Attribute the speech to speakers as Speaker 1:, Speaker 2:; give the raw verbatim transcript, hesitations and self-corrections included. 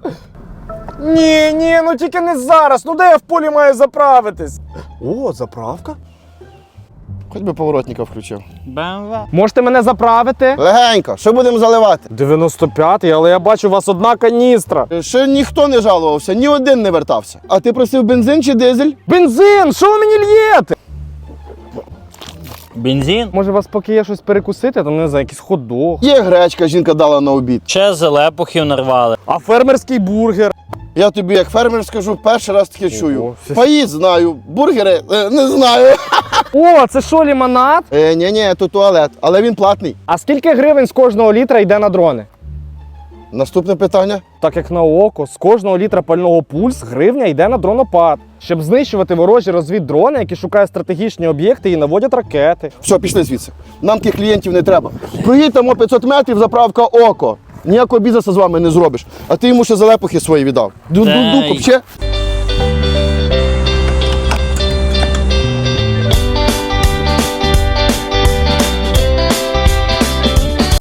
Speaker 1: Ні, ні, ну тільки не зараз. Ну де я в полі маю заправитись? О, заправка?
Speaker 2: Хоч би поворотника включив.
Speaker 3: БМВ.
Speaker 1: Можете мене заправити?
Speaker 2: Легенько, що будемо заливати?
Speaker 1: дев'яносто п'ятий, але я бачу, у вас одна каністра.
Speaker 2: Ще ніхто не жалувався, ні один не вертався. А ти просив бензин чи дизель?
Speaker 1: Бензин! Що ви мені л'єте?
Speaker 3: Бензин.
Speaker 1: Може, у вас поки є щось перекусити, там, не знаю, якийсь хот-дог.
Speaker 2: Є гречка, жінка дала на обід.
Speaker 3: Ще зелепухів нарвали.
Speaker 1: А фермерський бургер?
Speaker 2: Я тобі, як фермер, скажу, перший раз таке чую.
Speaker 1: Ого.
Speaker 2: Паїд знаю, бургери е, не знаю.
Speaker 1: О, це що, лимонад?
Speaker 2: Е, ні, ні, то туалет, але він платний.
Speaker 1: А скільки гривень з кожного літра йде на дрони?
Speaker 2: Наступне питання.
Speaker 1: Так як на око, з кожного літра пального пульс гривня йде на дронопад, щоб знищувати ворожі розвіддрони, які шукають стратегічні об'єкти і наводять ракети.
Speaker 2: Все, пішли звідси. Нам тих клієнтів не треба. Проїдь там о п'ятсот метрів, заправка око. Ніякого бізнесу з вами не зробиш. А ти йому ще залепухи свої віддав. Ду-ду-ду,
Speaker 3: Ей.
Speaker 2: копче.